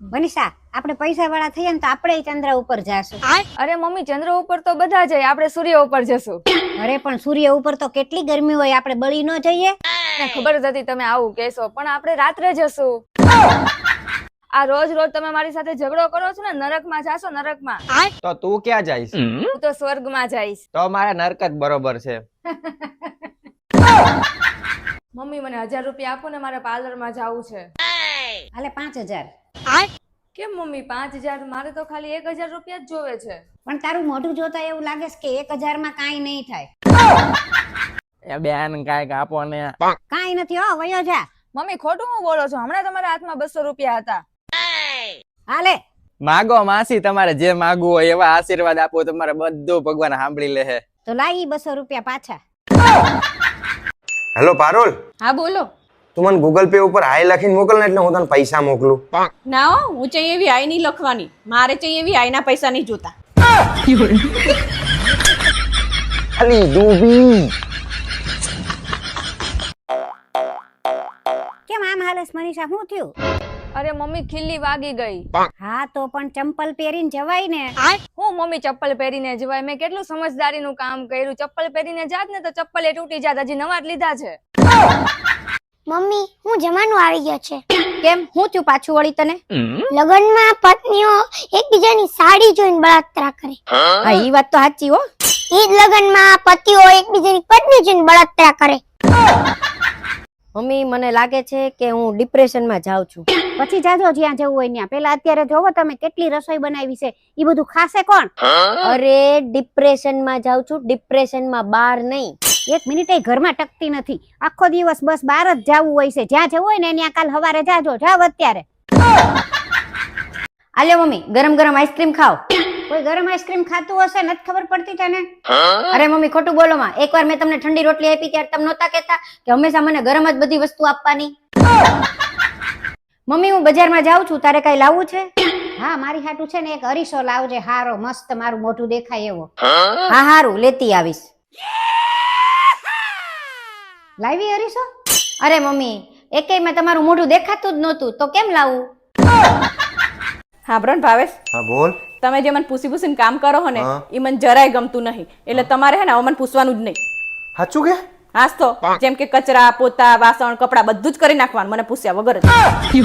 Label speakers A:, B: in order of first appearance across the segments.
A: મનીષા આપણે પૈસા વાળા થઈએ ને તો આપણે ચંદ્ર ઉપર જાશું.
B: અરે મમ્મી, ચંદ્ર ઉપર તો બધા જાય, આપણે સૂર્ય ઉપર જશું.
A: અરે પણ સૂર્ય ઉપર તો કેટલી ગરમી હોય, આપણે બળી ન જઈએ?
B: મને ખબર જ હતી તમે આવું કહેશો, પણ આપણે રાત્રે જશું. આ રોજ રોજ તમે મારી સાથે ઝઘડો કરો છો ને, નરકમાં જાશો, નરકમાં.
C: તો તું ક્યાં જઈશ?
B: હું તો સ્વર્ગમાં જઈશ.
C: તો મારા નરક જ બરોબર છે.
B: મમ્મી મને 1000 રૂપિયા આપો ને, મારે પાર્લરમાં જવું છે.
A: હાલે 5000.
B: કેમ મમ્મી 5000? મારે તો ખાલી 1000 રૂપિયા જ જોવે છે.
A: પણ તારું મોઢું જોતા એવું લાગે છે કે 1000 માં કાંઈ નહીં થાય.
C: એ બેન કાંઈક આપો ને.
A: કાંઈ નથી હો, વયો જા.
B: મમ્મી ખોટું હું બોલો છો? હમણાં તમારા હાથમાં 200 રૂપિયા હતા.
A: હાલે
C: માગો માસી, તમારે જે માગવું હોય એવા આશીર્વાદ આપો, તમારે બધું ભગવાન સાંભળી લે.
A: તો લાવી 200 રૂપિયા પાછા.
D: હેલો પારુલ,
E: હા બોલો.
D: તું મને ગૂગલ પે ઉપર હાય લખીને મોકલ ને, એટલે હું તને પૈસા મોકલું.
E: ના હો, હું ચાઈ એવી હાય નહીં લખવાની. મારે ચાઈ એવી હાયના પૈસા નહીં જોતા.
D: અલી ડૂબી.
A: કેમ આમ હાલેસ મનીષા, શું થયું?
B: અરે મમ્મી ખીલ્લી વાગી ગઈ.
A: હા તો પણ ચંપલ પહેરીને જવાય ને.
B: હું મમ્મી ચપ્પલ પહેરીને જવાય? મેં કેટલું સમજદારીનું કામ કર્યું. ચપ્પલ પહેરીને જાત ને તો ચપ્પલ એ તૂટી જાત. હજી નવા જ લીધા છે.
F: મમ્મી હું જમાનો આવી ગયો છે.
A: કેમ, હું થયું પાછું વળી તને?
F: લગ્નમાં પત્નીઓ એકબીજાની સાડી જોઈને બળાત્રા કરે.
A: હા ઈ વાત તો સાચી હો.
F: ઈ જ લગ્નમાં પતિઓ એકબીજાની પત્ની જોઈને બળાત્રા કરે.
A: મમ્મી મને લાગે છે કે હું ડિપ્રેશન માં જાઉં છું. પછી જાજો જ્યાં જવું હોય ત્યાં. પેલા અત્યારે જોવો તમે કેટલી રસોઈ બનાવી છે, ઈ બધું ખાશે કોણ? અરે ડિપ્રેશન માં જાઉં છું, ડિપ્રેશન માં બહાર નહીં. એક મિનિટે ઘરમાં ટકતી નથી, આખો દિવસ બસ બહાર જ જવું હોય છે. જ્યાં જવું હોય ને ત્યાં કાલ સવારે જાજો. જાવ અત્યારે. આલ્યો મમ્મી, ગરમ ગરમ આઈસ્ક્રીમ ખાઓ. કોઈ ગરમ આઈસ્ક્રીમ ખાતું હશે, નથી ખબર પડતી તને? અરે મમ્મી ખોટું બોલો માં. એકવાર મેં તમને ઠંડી રોટલી આપી ત્યારે તમે નહોતા કહેતા કે હંમેશા મને ગરમ જ બધી વસ્તુ આપવાની? મમ્મી હું બજારમાં જાઉં છું, તારે કઈ લાવવું છે? હા મારી હાટુ છે ને એક અરીસો લાવજે, હારો મસ્ત મારું મોઢું દેખાય એવો. હા હારું, લેતી આવીશ. લાવી અરીસો? અરે મમ્મી એકેય માં તમારું મોઢું દેખાતું જ નહોતું, તો કેમ લાવું?
E: હા બ્રન ભાવેશ,
D: હા બોલ.
E: તમે જે મને પૂછીને કામ કરો હો ને,
D: હા.
E: એ મને જરાય ગમતું નહીં. એટલે તમારે હે ને હવે મને પૂછવાનું જ નહીં.
D: સાચું કે?
E: હાસ તો જેમ કે કચરા, પોતા, વાસણ, કપડા બધું જ કરી નાખવાનું મને પૂછ્યા વગર જ.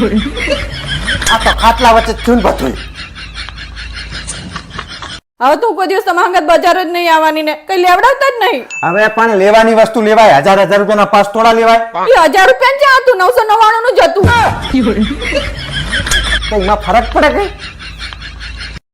D: આ તો ખાટલા વચ્ચે ચૂન બધું.
E: હવે તો હું કોઈ દિવસ તમારા અંગત બજાર જ નહીં આવવાની ને કઈ લેવડાવતા જ નહીં.
D: હવે પણ લેવાની વસ્તુ લેવાય, 1000 રૂપિયાના 5 તોડા લેવાય.
E: એ 1000 રૂપિયા જ હતું, 999 નું જ હતું.
D: કઈમાં ફરક પડે કઈ?